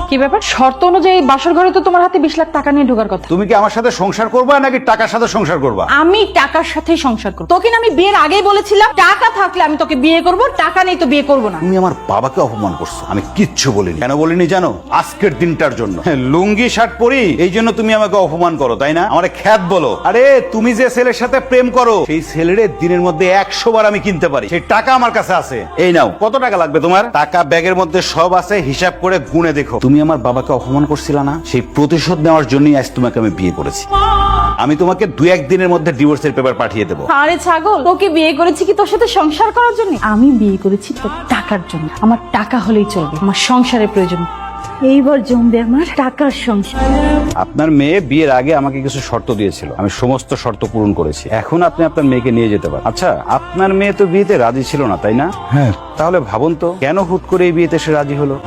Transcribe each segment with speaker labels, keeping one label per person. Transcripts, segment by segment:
Speaker 1: কি ব্যাপার? শর্ত অনুযায়ী বাসর ঘরে তো তোমার হাতে 20 লাখ টাকা নিয়ে ঢোকার কথা।
Speaker 2: তুমি কি আমার সাথে সংসার করবা নাকি টাকার সাথে সংসার করবা?
Speaker 1: আমি টাকার সাথেই সংসার করব। তোকে না আমি বিয়ের আগেই বলেছিলাম টাকা থাকলে আমি তোকে বিয়ে করব, টাকা নেই তো বিয়ে করব না।
Speaker 2: তুমি আমার বাবাকে অপমান করছো। আমি কিচ্ছু বলিনি। কেন বলিনি জানো? আজকের দিনটার জন্য। লুঙ্গি শার্ট পরি এই জন্য তুমি আমাকে অপমান করো, তাই না? আমারে খ্যাত বলো। আরে তুমি যে ছেলের সাথে প্রেম করো সেই ছেলের দিনের মধ্যে 100 বার আমি কিনতে পারি, সেই টাকা আমার কাছে আছে। এই নাও, কত টাকা লাগবে তোমার? টাকা ব্যাগের মধ্যে সব আছে, হিসাব করে গুনে দেখো। তুমি আমার বাবাকে অপমান করছিলা না, সেই প্রতিশোধ নেওয়ার জন্যই আজ তোমাকে আমি বিয়ে করেছি। আমি তোমাকে 2-1 দিনের মধ্যে ডিভোর্সের পেপার পাঠিয়ে দেবো।
Speaker 1: আরে ছাগল, তোকে বিয়ে করেছি কি তোর সাথে সংসার করার জন্য? আমি বিয়ে করেছি তোর টাকার জন্য। আমার টাকা হলেই চলবে, আমার সংসারের প্রয়োজন। এইবার জমবে আমার টাকার সংসার।
Speaker 2: আপনার মেয়ে বিয়ের আগে আমাকে কিছু শর্ত দিয়েছিল, আমি সমস্ত শর্ত পূরণ করেছি। এখন আপনি আপনার মেয়েকে নিয়ে যেতে পারেন। আচ্ছা, আপনার মেয়ে তো বিয়েতে রাজি ছিল না, তাই না?
Speaker 3: হ্যাঁ।
Speaker 2: তাহলে ভাবুন তো, কেন হুট করে এই বিয়েতে সে রাজি হলো?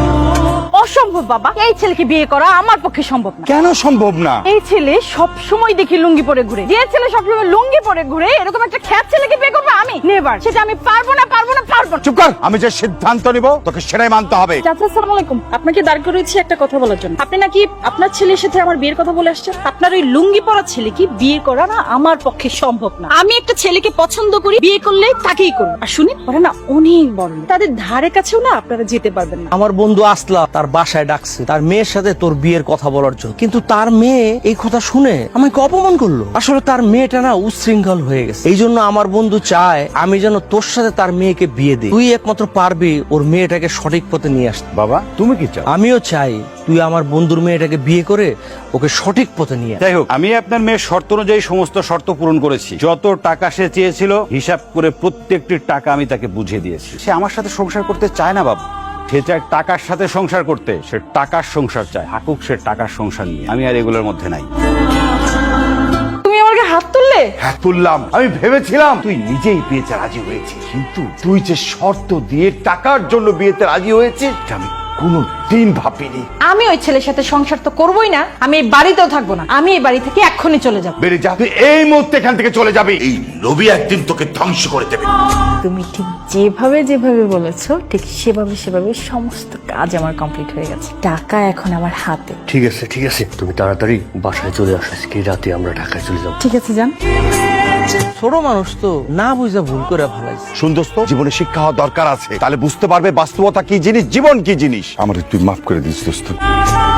Speaker 1: অসম্ভব বাবা, এই ছেলেকে বিয়ে করা আমার পক্ষে সম্ভব না।
Speaker 3: কেন সম্ভব না?
Speaker 1: এই ছেলে সব সময় দেখি লুঙ্গি পরে ঘুরে। যে ছেলে সবসময় লুঙ্গি পরে ঘুরে এরকম একটা খ্যাত ছেলেকে বিয়ে করবো আমি? নেভার। সেটা আমি পারবো না।
Speaker 3: চুপ কর, আমি যে সিদ্ধান্ত নিব তোকে সেটাই মানতে হবে।
Speaker 1: চাচা, আসসালামু আলাইকুম। আপনাকে দাঁড় করেছি একটা কথা বলার জন্য। আপনি নাকি আপনার ছেলের সাথে আমার বিয়ের কথা বলে আসছেন। আপনার ওই লুঙ্গি পরা ছেলে কি বিয়ে করা না আমার পক্ষে সম্ভব না। আমি একটা ছেলেকে পছন্দ করি, বিয়ে করলে তাকেই করব। আর শুনি ওরা না অনেক বড় লোক, তাদের ধারে কাছেও না আপনারা যেতে পারবেন না।
Speaker 4: আমার বন্ধু আসলা তার বাসায় ডাকছে তার মেয়ের সাথে তোর বিয়ের কথা বলার জন্য, কিন্তু তার মেয়ে এই কথা শুনে আমাকে অপমান করলো। আসলে তার মেয়েটা না উচ্ছৃঙ্খল হয়ে গেছে, এই জন্য আমার বন্ধু চায় আমি যেন তোর সাথে তার মেয়েকে বিয়ে দিই। তুই একমাত্র পারবি ওর মেয়েটাকে সঠিক পথে নিয়ে আসতে।
Speaker 2: বাবা, তুমি কি চাও?
Speaker 4: আমিও চাই তুই আমার বন্ধুর মেয়েটাকে বিয়ে করে ওকে সঠিক পথে নিয়ে আয়।
Speaker 2: যাই হোক, আমি আপনার মেয়ের শর্ত অনুযায়ী সমস্ত শর্ত পূরণ করেছি। যত টাকা সে চেয়েছিল হিসাব করে প্রত্যেকটি টাকা আমি তাকে বুঝিয়ে দিয়েছি। সে আমার সাথে সংসার করতে চায় না বাবা, সে চায় টাকার সাথে সংসার করতে। সে টাকার সংসার চায়, থাকুক সে টাকার সংসার নিয়ে। আমি আর এগুলোর মধ্যে নাই।
Speaker 1: তুমি আমাকে হাত তুললে?
Speaker 3: হ্যাঁ তুললাম। আমি ভেবেছিলাম তুই নিজেই বিয়েতে রাজি হয়েছিস, কিন্তু তুই যে শর্ত দিয়ে টাকার জন্য বিয়েতে রাজি হয়েছিস আমি কোনোদিন ভাবিনি।
Speaker 1: আমি ওই ছেলের সাথে সংসার তো করবোই না, আমি এই বাড়িতেও থাকবো না। আমি এই বাড়ি থেকে এক্ষুনি চলে যাব।
Speaker 3: বেরিয়ে যা, তুই এই মুহূর্তে এখান থেকে চলে যাবি। এই রবি একদিন তোকে ধ্বংস করে দেবে।
Speaker 1: তুমি ঠিক যেভাবে বলেছো ঠিক সেভাবে সমস্ত কাজ আমার কমপ্লিট হয়ে গেছে। টাকা এখন আমার হাতে।
Speaker 5: ঠিক আছে, তুমি তাড়াতাড়ি বাসায় চলে আসো। আজকে রাতে আমরা ঢাকায় চলে যাবো।
Speaker 1: ঠিক আছে, যান।
Speaker 4: ছোট মানুষ তো না বুঝা ভুল করে ভালাইছে।
Speaker 3: শুন দোস্ত, জীবনে শিক্ষা হওয়া দরকার আছে, তাহলে বুঝতে পারবে বাস্তবতা কি জিনিস, জীবন কি জিনিস। আমার তুই মাফ করে দিস দোস্ত।